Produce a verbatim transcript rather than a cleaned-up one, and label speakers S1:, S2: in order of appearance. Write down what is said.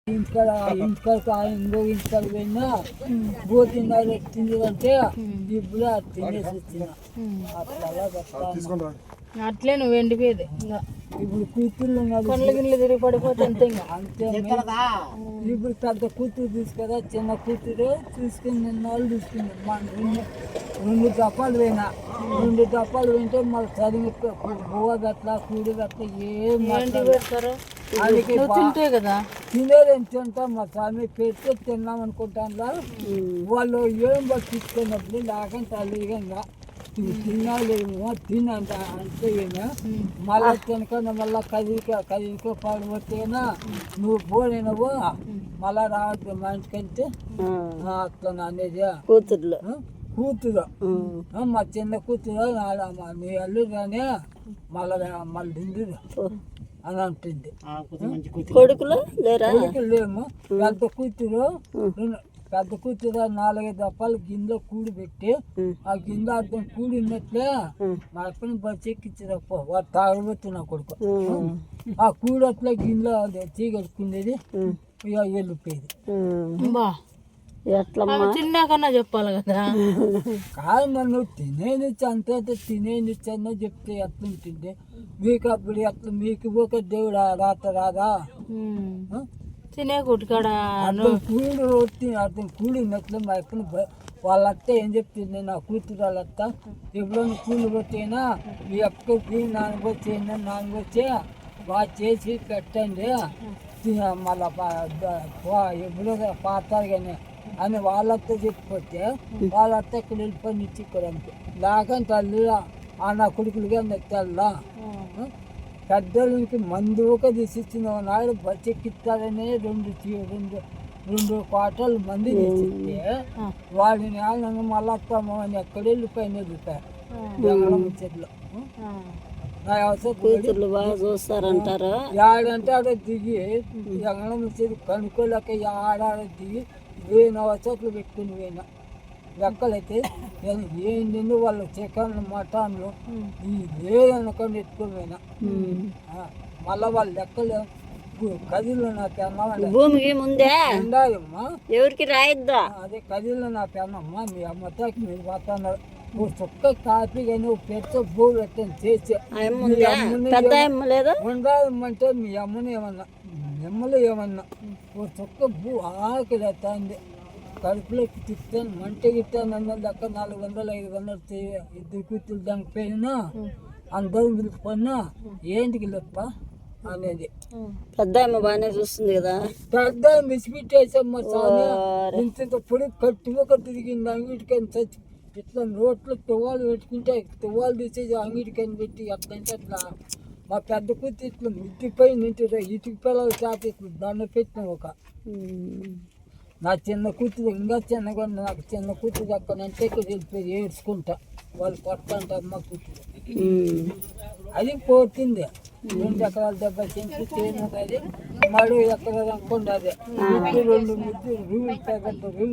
S1: ఇంటికాడ ఇంటికాడ ఇంకో ఇంటికాడ పోయినా పోతుంది తిందంటే ఇప్పుడు తినేసి వచ్చిన అట్లా
S2: అట్లే నువ్వు ఎండిపోయేది ఇంకా
S1: ఇప్పుడు కూతుర్లు
S2: కళ్ళు గిన్నెలు తిరిగి పడిపోతే అంతే ఇంకా
S1: అంతే ఇప్పుడు పెద్ద కూతురు తీసుకురా చిన్న కూతురు తీసుకుని నిన్న వాళ్ళు తీసుకున్నారు మా రెండు రెండు దప్పాలు పోయినా రెండు దప్పాలు పోయింటే మళ్ళీ చదివి బువ్వ గట్ల కూడి గట్ల ఏం
S2: పెడతారు తింటే కదా
S1: తినేదేం తింటాం మా స్వామి పెడితే తిన్నాం అనుకుంటాను వాళ్ళు ఏం పట్టించుకున్నప్పుడు లేకంటే అలిగంగా తినాలేమో తినంట అంటే మళ్ళా తినకుండా మళ్ళా కదిలిక కదిలిక పడిపోతేనా నువ్వు పోయినవు మళ్ళా రావద్దు మా ఇంటికంటే అట్లా అనేది
S2: కూతుర్లు
S1: కూతురు మా చిన్న కూతురు నీ అల్లు కానీ మళ్ళా మళ్ళీ తింది అని అంటుంది
S2: కొడుకులు లేరా
S1: కొడుకులు లేము పెద్ద కూతురు పెద్ద కూతురు నాలుగైదు దప్పాలు గిన్నెలో కూడి పెట్టి ఆ గిన్నె అర్థం కూడినట్లే మా అప్పని బస్సు ఎక్కించారప్ప వాడు తాగబోతు నా కొడుకు ఆ కూడి అట్లా గిన్నెలో తీగట్టుకునేది ఇక వెళ్ళిపోయేది
S2: తిన్నాకన్నా చెప్పాలి కదా
S1: కాదు మరి నువ్వు తినేనిచ్చి అంతే తినేనిచ్చి అన్నా చెప్తే ఎట్లా ఉంటుంది మీకు అప్పుడు ఎట్లా మీకు ఒక దేవుడు రాత రాదా
S2: తినే కొట్టుకాడ
S1: అర్థం కూడి వచ్చి అర్థం కూడినట్లు మా ఎక్కడ వాళ్ళ అత్త ఏం చెప్తుంది నా కూతురు వాళ్ళ అత్త ఎప్పుడైనా కూలి కొట్టేనా మీ అక్కకి నాన్నకొచ్చి నాన్నకొచ్చి బాగా చేసి పెట్టండి మళ్ళా ఎప్పుడో పాతారు కానీ అని వాళ్ళతో చెప్పిపోతే వాళ్ళ ఇక్కడ వెళ్ళిపోయి ఇచ్చి ఇక్కడ అంతే లేకంటే తల్లి ఆ నా కొడుకులు కానీ తెల్లా పెద్దలకి మందు ఒక తీసిచ్చిన నాడు బచ్చెక్కిస్తారనే రెండు రెండు రెండు కోటలు మంది తీసిస్తే వాడిని ఆనందంగా మళ్ళీ వస్తాము అని ఎక్కడ వెళ్ళిపోయిన వెళ్ళిపోయారు చెట్లు
S2: కూతుర్లు బాగా చూస్తారంటారు
S1: ఏడంటే ఆడ దిగి ఎంగళం వచ్చేది కనుక్కోలేక ఆడాడ దిగి వేయిన చెట్లు పెట్టుకుని పోయినా లెక్కలైతే ఏంటి వాళ్ళు చికెన్ మటన్లు ఈ లేదనుకొని ఎత్తుకొని పోయినా మళ్ళా వాళ్ళ లెక్కలు కదిలో నా పెన్నమ్మ
S2: భూమికి ముందే
S1: ఉండాలమ్మా
S2: ఎవరికి రాయిద్దా
S1: అదే కదిలో నా పెన్నమ్మ మీ అమ్మతాకి మీరు పోతున్నారు నువ్వు చుక్క కాపీ కానీ పెద్ద భూ పెట్టని చేసి ఉండాలమ్మంటే మీ అమ్మని ఏమన్నా నిమ్మలు ఏమన్నా ఓ చుక్క భూ ఆకలి అవుతుంది కడుపులోకి తిప్పాను మంట గిట్టాను అన్నది అక్కడ నాలుగు వందలు ఐదు వందలు ఇద్దరు కూతురు దానికి పోయినా అందరూ పిలుచుకున్నా ఏంటికి లెప్ప అనేది
S2: పెద్ద అమ్మ బాగానే చూస్తుంది కదా
S1: పెద్ద మిసిపిట్టేసమ్మ సామి ఇంత పొడి కట్టుగా తిరిగింది అంగిటికని చచ్చి ఇట్లా రోడ్లు తువ్వాలు పెట్టుకుంటే తువ్వాలు తీసేసి అంగిటికని పెట్టి అట్లంటే అట్లా మా పెద్ద కూతురు ఇట్లా మిద్దిపై నింటి ఇటుక పిల్లలు చేత ఇట్లా దండ పెట్టిన ఒక నా చిన్న కూతురు ఇంకా చిన్నగా నాకు చిన్న కూతురు అక్కడంటే వెళ్ళిపోయి ఏడ్చుకుంటా వాళ్ళు కొట్టంట అమ్మ కూతురు అది పోతుంది రెండు ఎకరాల దెబ్బ చెంపు చేయను అది మడు ఎకరాలు అనుకోండి అదే రెండు ముద్దు రూలు తగ్గట్టు